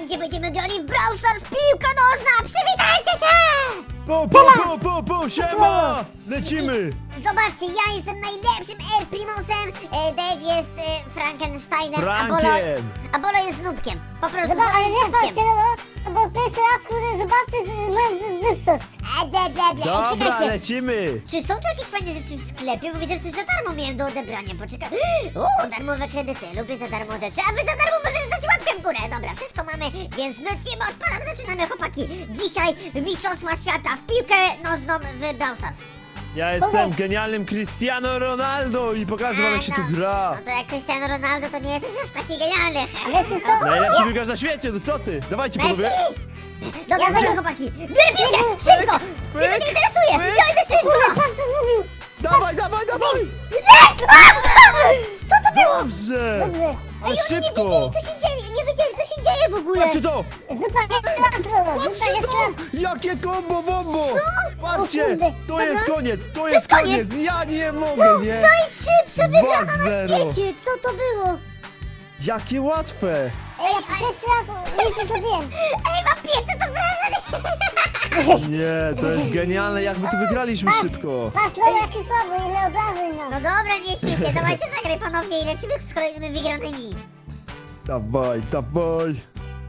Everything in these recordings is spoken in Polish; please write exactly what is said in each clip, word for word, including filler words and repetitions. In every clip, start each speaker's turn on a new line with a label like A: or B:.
A: Słuchajcie, będziemy grali w Brawl Stars piłka nożna! Przywitajcie się!
B: Po, po, po, po, po, siema! Lecimy!
A: Zobaczcie, ja jestem najlepszym Air Primosem, e, Dave jest e, Frankensteinem, a Bolo,
B: Frankiem!
A: a Bolo jest Nubkiem. Po prostu
C: Zobacz,
A: Bolo
C: ale
A: jest
C: nie
A: Nubkiem.
C: patrzcie, no, bo pierwszy raz, kurde, zobaczcie z- moją wystos.
A: E, de, de, de. Ej,
B: Dobra,
A: czekajcie,
B: lecimy!
A: czy są tu jakieś fajne rzeczy w sklepie? Bo widzę, że coś za darmo miałem do odebrania. Poczekaj. Uuu, darmowe kredyty. Lubię za darmo rzeczy. A wy za darmo możecie dać łapkę w górę. Dobra, wszystko mamy, więc lecimy, odpalam, zaczynamy, chłopaki. Dzisiaj Mistrzostwa Świata w piłkę nożną w Brawl Stars.
B: Ja jestem genialnym Cristiano Ronaldo i pokażę wam jak się tu gra!
A: No to jak Cristiano Ronaldo, to nie jesteś aż taki genialny.
C: Ale ty co?
B: Najlepszy piłkarz na świecie, no co ty? Dawajcie
A: Messi!
B: panowie!
A: Dobra,
C: Ja
A: dobra,
C: za-
A: chłopaki. Biorę piłkę, szybko! Mnie to nie interesuje!
B: pyk,
A: Ja idę
C: Kurde,
A: szybko!
C: patrz co zrobił.
B: Dawaj, dawaj, dawaj!
A: Jest! A! Co to było?
B: Dobrze!
C: Dobrze.
B: Ale
A: Ej, oni nie
B: szybko!
A: wiedzieli, co się dzieje, nie wiedzieli, co się dzieje w ogóle.
B: Patrzcie to!
C: Zupa jest raz, Lolo, zupa
B: Patrzcie
C: jest
B: to!
C: raz.
B: Jakie combo wombo!
C: O
B: Patrzcie!
C: kurde.
B: To jest koniec! To
A: jest
B: jest
A: koniec.
B: koniec! Ja nie mogę, nie?
A: Najszybsza wygrana na
B: dwa zero.
A: świecie, co to było?
B: Jakie łatwe!
C: Ej, ja pierwszy raz nic nie zrobiłem.
A: Ej, mam pięćset obrażeń!
B: Nie, to jest genialne, jak my tu wygraliśmy szybko!
C: Patrz, Lolo, jaki słaby, ile obrażeń
A: No
C: mam.
A: dobra, nie śmiej się, dawajcie zagraj ponownie i lecimy z kolejnymi wygranymi.
B: Dawaj, dawaj!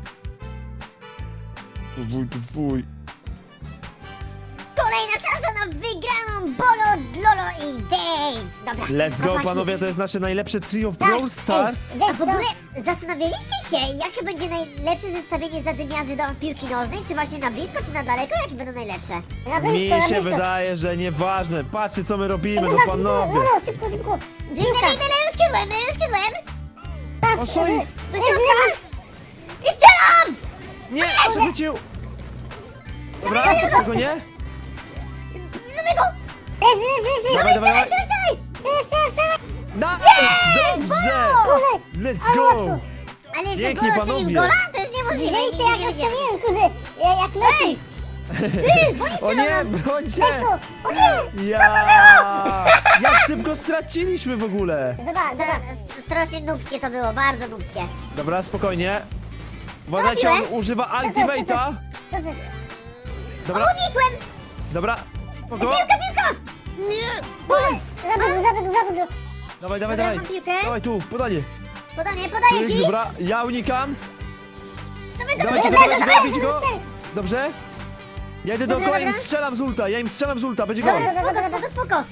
B: To wuj, to wuj.
A: Kolejna szansa na wygraną Bolo, Lolo i Dave. Dobra,
B: Let's go,
A: chłopaki.
B: panowie, to jest nasze najlepsze trio w
C: Tak,
B: Brawl Stars!
C: ej,
A: A
C: wiesz
A: w
C: co?
A: ogóle zastanawialiście się, jakie będzie najlepsze zestawienie zadymiarzy do piłki nożnej? Czy właśnie na blisko, czy na daleko? Jakie będą najlepsze?
C: Na blisko,
B: Mi
C: na
B: się
C: blisko.
B: wydaje, że nieważne. Patrzcie, co my robimy, no
C: Zobacz,
B: panowie!
C: Lolo, szybko, szybko.
A: Biegnę, biegnę, lewym skrzydłem, lewym skrzydłem!
B: O, stoi!
A: Do środka! I strzelam!
B: Nie, przechwycił! Dobra, tego nie?
A: Lubię go!
C: Jest, jest, jest, jest.
B: Dawaj, dawaj, dawaj!
A: Strzelaj, strzelaj!
C: Jest, jest, jest.
B: Nice! Dobrze!
C: Kurde,
B: Let's go!
A: Ale że
B: Pięknie,
A: Bolo strzelił
B: panowie.
A: gola? To jest niemożliwe,
C: widzieliście
A: nigdy
C: jak
A: nie
C: ja
A: wiedziałem.
C: strzeliłem, kurde. Ja- Jak Messi.
A: Ty, bo nie
B: O nie,
A: strzelam!
B: brońcie!
C: Messi. O nie.
B: Ja! Jak szybko straciliśmy w ogóle!
C: Zobacz, zobacz.
A: Stra- Strasznie nubskie to było, bardzo nubskie.
B: Dobra, spokojnie. Uważajcie, on używa Ultimate'a.
C: Co to jest?
B: Dobra,
A: Unikłem!
B: dobra. Spoko.
A: Piłka, piłka!
B: Nie! Nice!
C: Zabił, zabił, zabił.
B: Dawaj, dawaj,
A: Dobra,
B: dawaj.
A: mam piłkę.
B: Dawaj tu, podanie.
A: Podanie, podaję ci!
B: Dobra, ja unikam.
A: Dawaj, dawaj,
B: Dawajcie go,
A: dawaj,
B: dawajcie go,
A: dawaj!
B: bijcie go. Dobrze? Ja idę
A: Dobra,
B: dookoła i im
A: dobra.
B: strzelam z ulta, ja im strzelam z ulta, będzie gol.
A: Dobra, spoko, spoko, spoko!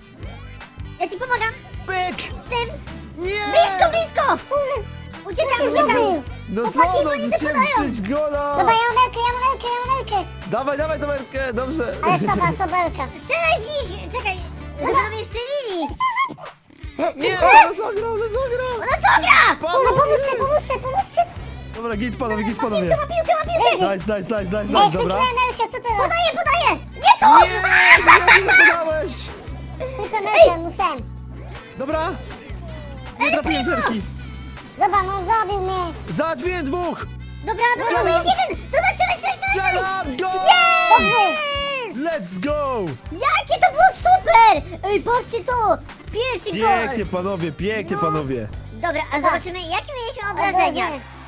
A: Ja ci pomagam
B: Pyk!
A: z tym!
B: Nie!
A: Blisko, blisko! Uciekam,
C: Co ty
A: uciekam!
C: zrobił?
B: No
A: Chłopaki,
B: co, no,
A: bo nie
B: musiałem
A: zakładają.
B: strzelić gola!
C: Dobra, ja mam lelkę, ja mam lelkę, ja mam lelkę.
B: Dawaj, dawaj, Tomerkę, dobrze.
C: Ale soba, sobelka.
A: Strzelaj w nich! Czekaj, żeby do mnie strzelili!
B: Nie, ona zagrał, ona zagrał!
A: Ona sogra!
C: No
B: Panowie!
C: pomóżcie, pomóżcie, pomóżcie.
B: Dobra, git panowie, git
A: Ma piłkę,
B: panowie.
A: ma piłkę, ma piłkę!
B: Nice, nice, nice, nice,
C: Ej,
B: nice, dobra.
C: chwyciłem lelkę, co teraz?
A: Podaję, podaję! Nie tu!
B: Nie, nie, nie podałeś!
C: Tylko lelkę, musiałem.
B: Dobra. Nie trafiłem zerki.
C: Dobra, no zabił mnie.
B: Załatwiłem dwóch!
A: Dobra, dobra, to jest jeden! To da strzelaj, strzelaj, strzelaj!
B: Strzelam, go!
A: Yes!
B: Let's go!
A: Jakie to było super! Ej, patrzcie to! Pierwszy gol!
B: Pięknie panowie, pięknie panowie.
A: Dobra, a zobaczymy, jakie mieliśmy obrażenia.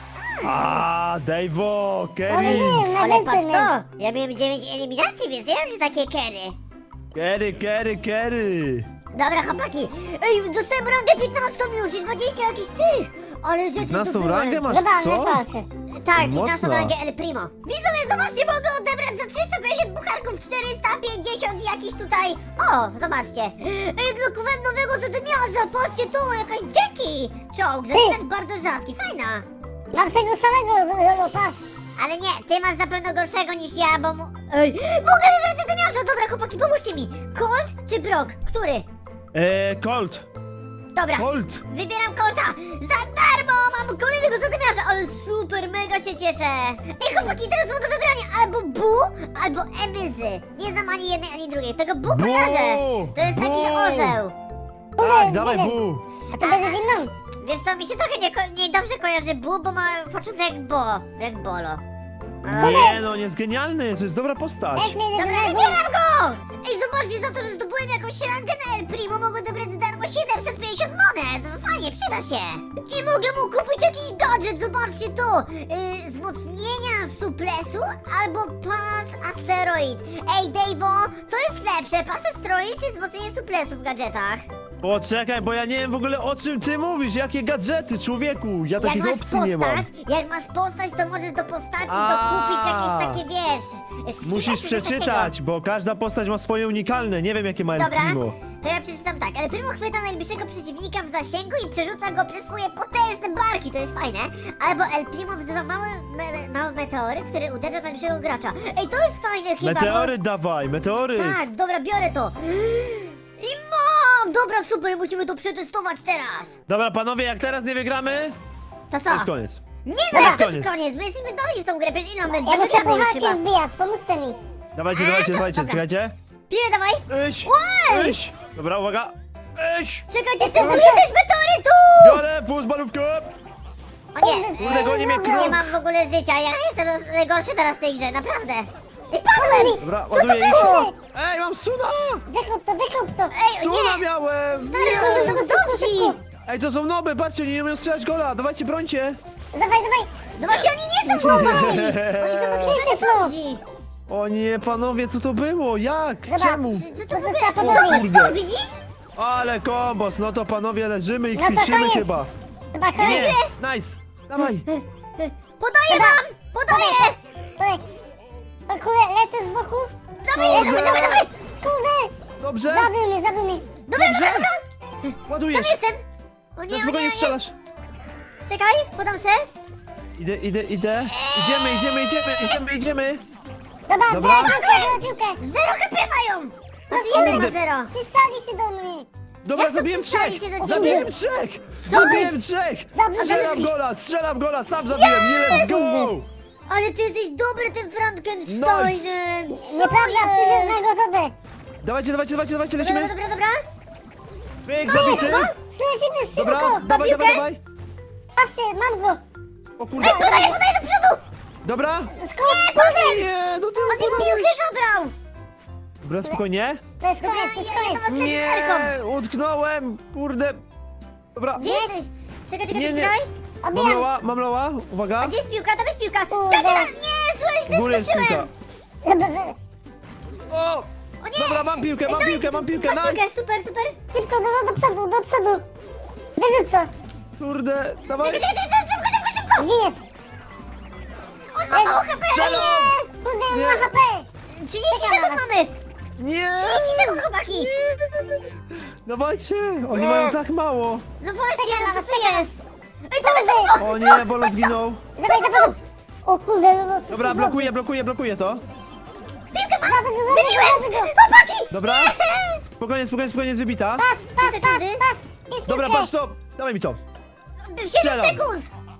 B: A, Dave'o,
C: Ale
B: Kerry.
C: nie, na
A: Ale
C: więcej
A: patrz
C: mnie.
A: to! Ja miałem dziewięć eliminacji, więc nie wiem, czy takie kery.
B: Kerry, Kerry, Kerry.
A: Dobra, chłopaki! Ej, dostałem rangę piętnastą już i dwadzieścia jakichś tych! Ale rzeczy
B: piętnastą
A: zdobyłem.
B: rangę masz,
C: Dobra, nie
B: co?
C: patrzę.
A: Tak, piętnastą
B: Mocno.
A: rangę El Primo. Widzowie, zobaczcie, mogę odebrać za trzysta pięćdziesiąt bucharków, czterysta pięćdziesiąt jakiś tutaj... O, zobaczcie. Ej, blokowałem nowego zadymiarza, patrzcie tu, jakaś Jackie! Czołg, zadymiarz bardzo rzadki, fajna.
C: Mam tego samego, Lolo, patrz.
A: Ale nie, ty masz na pewno gorszego niż ja, bo mu... Ej, mogę wybrać zadymiarza! Dobra, chłopaki, pomóżcie mi! Colt czy Brock? Który?
B: Eee, Colt,
A: Dobra,
B: Colt.
A: wybieram Colta! Za darmo! Mam kolejnego zadymiarza, ale super, mega się cieszę! Ej, chłopaki, teraz mam do wybrania albo Bu, albo Ebyzy. Nie znam ani jednej, ani drugiej. Tego Bu
B: Bu!
A: kojarzę! To jest taki
B: Bu!
A: orzeł.
B: Tak,
C: Nie
B: dawaj,
C: wiem.
B: bu.
C: A to będzie zimną.
A: Wiesz co, mi się trochę nie, ko- nie dobrze kojarzy Bu, bo ma początek jak Bo, jak Bolo.
B: Nie no, on jest genialny, to jest dobra postać.
C: Weź mnie, nie
A: Dobra,
C: denerwuj.
A: wybieram go! Ej, zobaczcie, za to, że zdobyłem jakąś rangę na El Primo, mogę dobrać za darmo siedemset pięćdziesiąt monet. To fajnie, przyda się. I mogę mu kupić jakiś gadżet, zobaczcie to. Yy, wzmocnienia suplesu albo pas asteroid. Ej, Dave'o, co jest lepsze, pas asteroid czy wzmocnienie suplesu w gadżetach?
B: Poczekaj, bo ja nie wiem w ogóle o czym ty mówisz, jakie gadżety, człowieku, ja
A: Jak
B: takich
A: masz
B: opcji nie mam.
A: postać, jak masz postać, to możesz do postaci
B: A.
A: dokupić jakieś takie, wiesz, skiny
B: Musisz
A: czy coś
B: przeczytać, bo każda postać ma swoje unikalne, nie wiem jakie ma El
A: Dobra,
B: Primo.
A: to ja przeczytam tak. El Primo chwyta najbliższego przeciwnika w zasięgu i przerzuca go przez swoje potężne barki, to jest fajne. Albo El Primo wzywa mały, me, mały meteoryt, który uderza w najbliższego gracza. Ej, to jest fajne chyba,
B: Meteoryt dawaj, meteoryt.
A: bo... Tak, dobra, biorę to. I mam! Dobra, super, musimy to przetestować teraz.
B: Dobra panowie, jak teraz nie wygramy,
A: To co?
B: to jest koniec.
A: Nie
B: To
A: no,
B: jest
A: to jest
B: koniec.
A: koniec, my jesteśmy dobrzy w tą grę, przecież ile mamy?
C: Ja
A: Dwie
C: muszę
A: wygrane już
C: pucharki
A: chyba.
C: wbijać, pomóżcie mi.
B: Dawajcie,
A: A,
B: dawajcie,
A: to-
B: dawajcie,
A: dobra.
B: czekajcie.
A: Piję, dawaj.
B: Iść,
A: Łaj!
B: iść. Dobra, uwaga. Iść.
A: Czekajcie, testujesz też meteorytu!
B: Biorę fuzbalówkę.
A: O nie,
B: Kurde, goni mnie
A: nie
B: kruk.
A: mam w ogóle życia, ja jestem najgorszy teraz w tej grze, naprawdę. I padłem!
B: Dobra,
A: Co to
B: ładuję ich.
A: było?
B: Ej, mam stuna.
C: Dekup to, dekup to.
A: Ej,
B: Stuna
A: nie!
B: miałem.
A: Stary,
B: Nie.
A: oni są dobrzy!
B: Ej, to są noby, patrzcie, oni nie umieją strzelać gola. Dawajcie, brońcie.
C: Dawaj, dawaj.
A: No właśnie, oni nie są chłopaki! Oni są jakieś mega dobrzy!
B: O nie, panowie, co to było? Jak?
C: Zobacz.
B: Czemu?
A: Co to
C: To
A: w ogóle?
C: trzeba
A: Zobacz
C: podrobić.
A: to, widzisz?
B: Ale kombos, no to panowie leżymy i
C: No to
B: kwiczymy
C: koniec.
B: chyba.
C: Chyba
B: Nie,
C: koniec.
B: nice. Dawaj.
A: Podaję wam! Podaję!
C: Dawaj. O kurde, lecę z boku.
A: Dawaj, dawaj, dawaj, dawaj!
C: Kurde.
B: Dobrze?
C: Zabił mnie, zabił mnie.
A: Dobra,
B: Dobrze.
A: dobra, dobra! Tam
B: Ładujesz.
A: jestem! O nie,
B: Na
A: o nie,
B: spokojnie
A: o nie.
B: strzelasz.
A: Czekaj, podam se.
B: Idę, idę, idę. Idziemy, idziemy, idziemy, idziemy, idziemy.
C: Dobra,
B: Dobra.
C: biorę piłkę, biorę piłkę.
A: Zero H P mają! Znaczy
C: kurde.
A: jeden ma zero.
C: Przystali się do mnie.
B: Dobra,
A: Jak to
B: zabiłem
A: przystali
B: trzech.
A: się do ciebie?
B: Zabiłem trzech.
A: Co?
B: Zabiłem trzech.
C: Zabiłem.
B: Strzelam gola, strzelam gola, sam zabiłem. Let's go.
A: Ale ty jesteś dobry tym Frankensteinem!
C: Nieprawda, przyjdę na gotowe.
B: Dawajcie, dawajcie, dawajcie, dawajcie,
A: Dobra,
B: lecimy.
A: dobra, dobra.
B: Pyk, zabity.
C: Słyszymy,
B: Dobra,
C: szybko.
B: dawaj,
A: piłkę?
B: dawaj, dawaj.
C: Patrzcie, mam go.
B: O kurde.
A: Ej, podaję, podaję do przodu!
B: Dobra.
C: Skąd? Kurde.
B: Nie, do tyłu
A: On mi piłkę
B: podałeś.
A: zabrał!
B: Dobra, spokojnie.
C: To jest
A: Dobra,
C: koniec, to jest
A: ja, ja do
C: koniec.
A: was z
B: Nie,
A: serką!
B: utknąłem. Kurde. Dobra.
A: Gdzie jesteś? Czekaj, czekaj,
B: Nie, nie.
A: czekaj.
B: Mam
C: Obijam.
B: loła, mam loła. Uwaga.
A: A gdzie jest piłka? Tam jest piłka!
C: Kurde.
A: Skaczę na... Nie, słuchaj,
B: W
A: źle
B: górę jest piłka.
A: skoczyłem!
C: Dobra,
B: O!
A: O nie!
B: Dobra, mam piłkę, mam
A: Ej,
B: piłkę, mam piłkę,
A: Masz piłkę,
B: nice!
A: super, super!
C: Szybko, do, do przodu, do przodu. Wyrzuć to.
B: Kurde, dawaj!
A: Czekaj, czekaj, czekaj, szybko, szybko, szybko!
C: Zginiesz.
A: On ma mało H P!
B: Strzelam!
A: Nie!
C: Kurde, on
B: Nie.
C: ma H P.
A: trzydzieści
C: Czekam
A: sekund
C: na was.
A: mamy!
B: Nie!
A: trzydzieści sekund, chłopaki!
B: Dawajcie! Oni
C: Nie.
B: mają tak mało!
A: No właśnie,
C: Czekam
A: no
C: na
A: co
C: was,
A: to
C: czekam.
A: jest? Ej, dawaj,
C: Kurde.
A: dawaj,
B: O nie, Bolo zginął!
C: Dawaj, dawaj. O kurde, no, no.
B: Dobra, blokuję, blokuję, blokuję to.
A: Piłkę mam!
C: Dawaj, dawaj,
A: Wybiłem!
C: dawaj.
A: Chłopaki!
B: Dobra. Spokojnie, spokojnie, spokojnie, jest wybita.
C: Pas, pas,
A: Trzy
C: pas,
A: sekundy.
C: pas. Jest
B: Dobra,
C: piłkę.
B: patrz to! Dawaj mi to!
A: siedem
B: Strzelam.
A: sekund!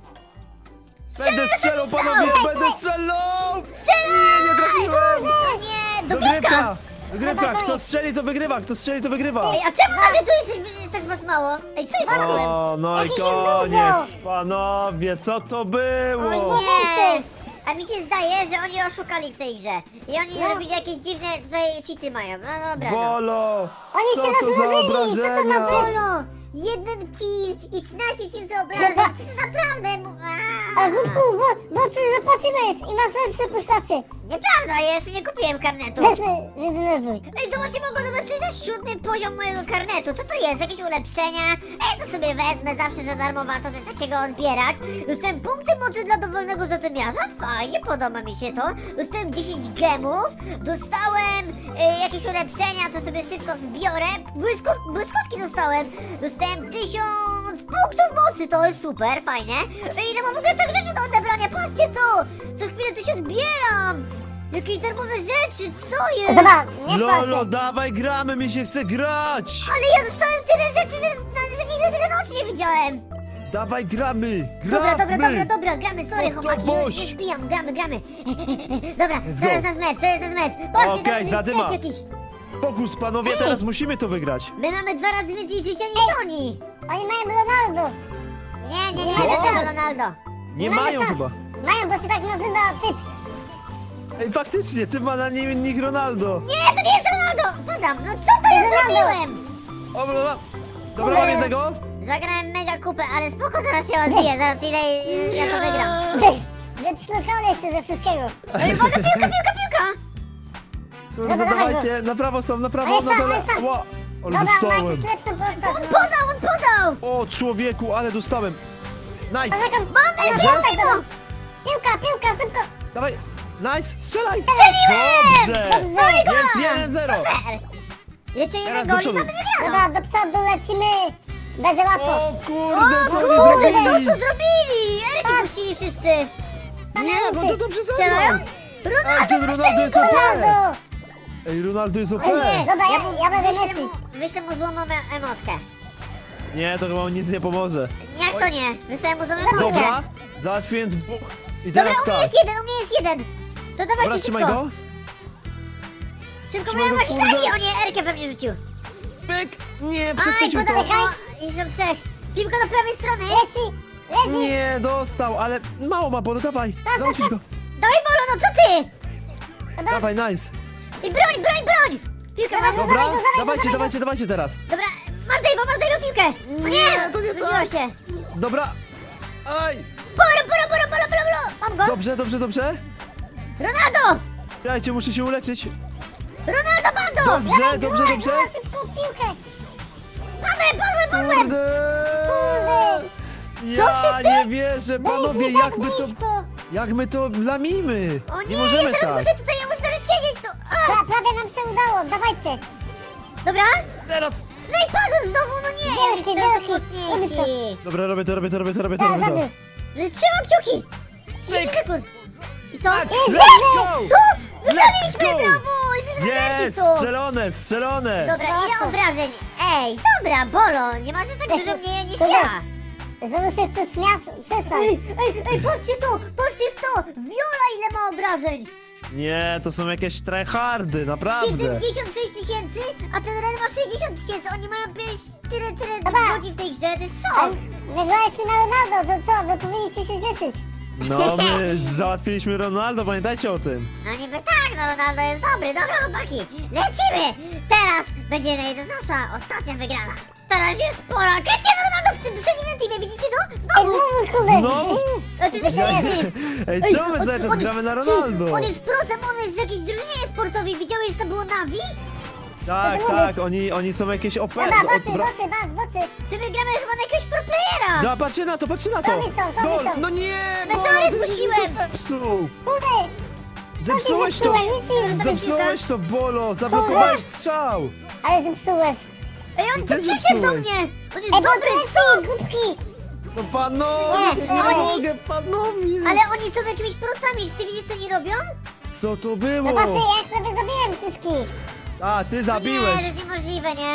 B: Będę strzelał,
A: strzał.
B: panowie!
A: Daj,
B: Będę strzelał!
A: Strzelam!
B: Nie, nie trafiłem!
A: O nie, dogrywka!
B: Dogrywka! Dogrywka!
C: Dawaj,
B: Kto
C: dawaj.
B: strzeli, to wygrywa! Kto strzeli, to wygrywa!
A: Ej, a czemu nagle tu jest, jest tak was mało? Ej, co jest z padłem?
B: O, no i
C: Jaki
B: koniec!
C: jest
B: Panowie, co to
A: O
B: było?
A: nie! A mi się zdaje, że oni oszukali w tej grze. I oni
C: No.
A: zrobili jakieś dziwne tutaj cheaty mają. No dobra, no.
B: Bolo!
C: Oni
B: Co
C: się
B: to za
C: rozmnozili, co to ma
B: obrażenia?
C: być?
A: Bolo! Jeden kill i trzynaście tysięcy obrażeń.
C: Dobra.
A: To naprawdę... mu-
C: A
A: Aaa.
C: głupku, bo, bo ty zapłaciłeś i masz lepsze postacie.
A: Nieprawda, ja jeszcze nie kupiłem karnetu.
C: Weź mnie, nie denerwuj.
A: Ej, zobaczcie, mogę zobaczyć, to jest siódmy poziom mojego karnetu. Co to jest? Jakieś ulepszenia? Ej, to sobie wezmę, zawsze za darmo warto coś takiego odbierać. Dostałem punkty mocy dla dowolnego zatymiarza. Fajnie, podoba mi się to. Dostałem dziesięć gemów. Dostałem e, jakieś ulepszenia, to sobie szybko zbiorę. Błyskot, błyskotki dostałem. Dostałem tysiąc punktów mocy, to jest super, fajne. Ej, ile mam w ogóle tak rzeczy do odebrania? Patrzcie to! Co chwilę coś odbieram. Jakieś darmowe rzeczy, co jest?
C: Dobra, nie
B: Lolo,
C: patrzę.
B: dawaj, gramy, mi się chce grać!
A: Ale ja dostałem tyle rzeczy, że, że nigdy tyle nocy nie widziałem!
B: Dawaj, gramy! Gramy!
A: Dobra, dobra, dobra, dobra, gramy, sorry
B: No to
A: chłopaki, już
B: boś.
A: się zbijam, gramy, gramy! Dobra,
B: Let's
A: zaraz
B: go.
A: nas mecz, zaraz nas mecz! Patrzcie,
B: Okej,
A: tam jest
B: zadyma.
A: strzał jakiś!
B: Fokus, panowie,
A: Ej.
B: teraz musimy to wygrać!
A: My mamy dwa razy więcej życia niż oni!
C: Oni mają Ronaldo.
A: Nie, nie, nie
C: Co?
A: ma żadnego Ronaldo!
B: Nie
C: Mamy
B: mają
C: czas.
B: chyba!
C: Mają, bo się tak nazywa typ.
B: Ej, faktycznie, ty ma na nim nick Ronaldo.
A: Nie, to nie jest Ronaldo! Padam, no co to ja
C: Ronaldo.
A: zrobiłem?
B: O, dobra, dobra, mam jednego.
A: Zagrałem mega kupę, ale spoko, zaraz się odbiję, zaraz idę i ja to wygram.
C: Zepsukane jeszcze ze wszystkiego.
A: Ej, uwaga, piłka, piłka, piłka!
B: Kurde,
C: Dobra, dawaj
B: dawajcie, na prawo są, na prawo,
C: Ale
B: na
C: sam,
B: dole.
C: ale sam.
B: Ła, ale
C: Dobra,
B: dostałem.
C: Max, lepszą
A: On
C: postać.
A: podał, on podał!
B: O, człowieku, ale dostałem. Nice.
C: Poczekam,
A: Mamy
C: ale
A: piłkę,
C: piłka,
A: no!
C: Piłka, piłka, szybko.
B: Dawaj, nice, strzelaj.
A: Strzeliłem!
B: Dobrze.
C: Dobrze.
B: Jest jeden zero.
A: Super! Jeszcze jeden
B: Teraz do
A: gol i
B: przodu.
A: mamy wygraną!
C: Dobra, do przodu lecimy. Będzie łatwo.
B: O
A: O
B: kurde, co
A: kurde,
B: oni
A: co
B: zrobili?
A: tu zrobili? Erki puścili wszyscy!
B: Nie, bo to dobrze
A: Strzelają?
B: zagrał. A
A: Ronaldo,
B: ten Ronaldo jest O P.
C: Ronaldo.
B: Ej, Ronaldo jest O P.
A: O nie,
C: Dobra, ja-
A: mu-
C: ja będę
A: wyślę
C: Messi.
A: mu, wyślę mu złą em- emotkę.
B: Nie, to chyba nic nie pomoże.
A: Jak to nie? Wysłałem mu złą emotkę.
B: Dobra, załatwiłem dwóch. I
A: Dobra,
B: teraz
A: u mnie
B: tak.
A: jest jeden, u mnie jest jeden. To
B: Dobra,
A: dawajcie
B: trzymaj
A: szybko.
B: go.
A: Szybko
B: Trzymaj
A: moją
B: go,
A: magistrali.
B: kurde.
A: O nie, Erkę pewnie rzucił.
B: Pyk. Nie,
A: Aj,
B: przechwycił
A: podał,
B: to.
A: no, i są trzech. Piłka do prawej strony.
C: Leci, leci.
B: Nie, dostał, ale mało ma bolu, dawaj. Załatwić go.
A: Dawaj Bolo, no co ty?
B: Dawaj, nice.
A: I broń, broń, broń. Piłkę mam.
B: Dobra,
C: dawaj go,
B: dawajcie,
C: dawaj
B: dawajcie, dawajcie teraz.
A: Dobra, masz Dave'a, masz Dave'a piłkę. O nie,
B: Nie, to nie
A: wybiło
B: tak.
A: się.
B: Dobra. Aj.
A: Bolo, bolo, bolo, bolo, bolo, bolo. Mam go.
B: Dobrze, dobrze, dobrze.
A: Ronaldo.
B: Czekajcie, muszę się uleczyć.
A: Ronaldo, bando.
B: Dobrze, dobrze, dobrze.
C: Dawaj szybko piłkę.
A: Padłem, padłem, padłem.
B: Kurde.
A: Co
B: Ja
A: wszyscy?
B: nie wierzę, panowie,
C: Weź mi
B: jak
C: tak
B: my to,
C: blisko.
B: jak my to lamimy.
A: O nie,
B: Nie możemy
A: ja teraz
B: tak.
A: muszę tutaj, ja muszę teraz siedzieć tu. A,
C: Pra- Prawie nam się udało, dawajcie.
A: dobra.
B: Teraz.
A: No i padłem znowu, no nie.
C: Wielki,
A: Teraz są
C: wielki.
A: mocniejsi.
B: Dobra, robię to, robię to, robię to, robię to,
C: Teraz
B: robię to.
C: zrobię.
A: Trzymam kciuki. trzydzieści sekund. I co?
B: Tak,
A: Jest!
B: let's go!
A: Co?
B: Let's
A: Wygraliśmy,
B: go!
A: brawo! Jesteśmy najlepsi
B: Jest,
A: w to.
B: strzelone, strzelone.
A: Dobra, ile
C: Brawo.
A: obrażeń? Ej, dobra, Bolo, nie masz aż tak dużo mniej niż
C: Dobra.
A: ja.
C: Znowu się chcesz śmiać? Przestań.
A: Ej, ej, ej, patrzcie to, patrzcie w to. Viola ile ma obrażeń?
B: Nie, to są jakieś tryhardy, naprawdę.
A: siedemdziesiąt sześć tysięcy, a ten Ren ma sześćdziesiąt tysięcy. Oni mają pięć, tyle, tyle
C: Dobra.
A: godzin w tej grze, to jest
C: A
A: szok.
C: Wygraliśmy na Ronaldo, to co? Wy powinniście się cieszyć.
B: No, my załatwiliśmy Ronaldo, pamiętajcie o tym.
A: No niby tak, no Ronaldo jest dobry, dobra chłopaki. Lecimy! Teraz będzie nasza ostatnia wygrana. Teraz jest pora. Cristiano Ronaldo w tym przeciwnym teamie, widzicie to?
C: Ej,
A: Znowu!
C: znowu kurde.
B: Znowu?
A: E, To jest jakiś inny.
B: Ej,
A: Ej,
B: czemu my
A: on-
B: cały czas
A: on-
B: gramy na
A: ty,
B: Ronaldo?
A: On jest prosem, on jest z jakiejś drużynie sportowej. Widziałeś, że to było Navi?
B: Tak,
C: to
B: tak, oni, oni są jakieś O P.
C: Dobra,
B: no,
C: bocy,
B: bra-
C: bocy, bas, bocy.
A: Czy my gramy chyba na jakiegoś pro playera?
B: No, patrzcie na to, patrzcie na to.
C: Sami są, sami
B: Gol.
C: są.
B: No nie,
A: Meteoryt
B: Bolo, ty
A: puściłem.
B: to Zepsuł.
C: Kurde.
B: Zepsułeś to.
C: zepsułem? Nic nie
B: Zepsułeś to, Bolo, zablokowałeś strzał.
C: Ale zepsułeś.
A: Ej, on tu
B: Ty
A: przyszedł do
B: zepsułeś.
A: mnie! On jest
C: Ej,
A: dobry,
C: dobry,
A: co?
C: głupki.
B: No panowie,
A: Nie,
B: nie
A: oni-
B: mogę, panowie.
A: Ale oni są jakimiś prosami, czy ty widzisz, co oni robią?
B: Co to
C: No
B: było?
C: patrzcie, ja prawie zabiłem wszystkich.
B: A, ty
A: Nie,
B: zabiłeś.
A: to jest niemożliwe, nie?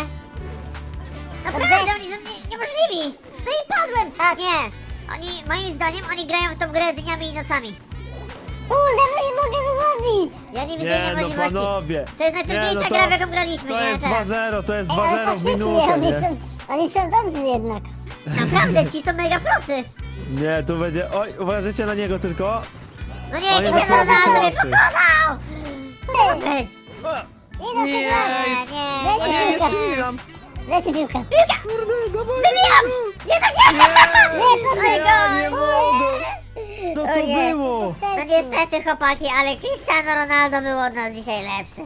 A: Naprawdę,
C: Dobrze.
A: oni są nie, niemożliwi! No i padłem!
C: Tak.
A: Nie! Oni, moim zdaniem, oni grają w tą grę dniami i nocami.
C: Kurde, no nie mogę wychodzić.
A: Ja nie widzę
B: Nie,
A: innej
B: no
A: możliwości.
B: panowie.
A: To jest najtrudniejsza
B: Nie, no to-
A: gra, w jaką graliśmy,
B: To
A: nie?
B: jest
A: Teraz.
B: dwa zero, to jest
C: Ej,
B: dwa
C: ale
B: zero w
C: faktycznie,
B: minutę,
C: oni
B: nie?
C: są, oni są dobrzy jednak.
A: Naprawdę, ci są mega prosy.
B: Nie, tu będzie... Oj, uważajcie na niego tylko.
A: No nie,
B: On jest
A: Cristiano
B: naprawdę
A: Ronaldo mnie
B: słabszy.
A: pokonał! Co to ma być?
B: A,
C: Nie da się
B: Nie,
C: grać.
B: jest...
A: nie,
B: A nie, jest Milan.
C: Lecę piłkę.
A: Piłka!
B: Kurde, dawaj.
A: Wybijam! Nie, to nie!
B: Nie,
A: Nie,
B: ja nie mogę. Co to
A: O nie.
B: było?
A: No niestety, chłopaki, ale Cristiano Ronaldo był od nas dzisiaj lepszy.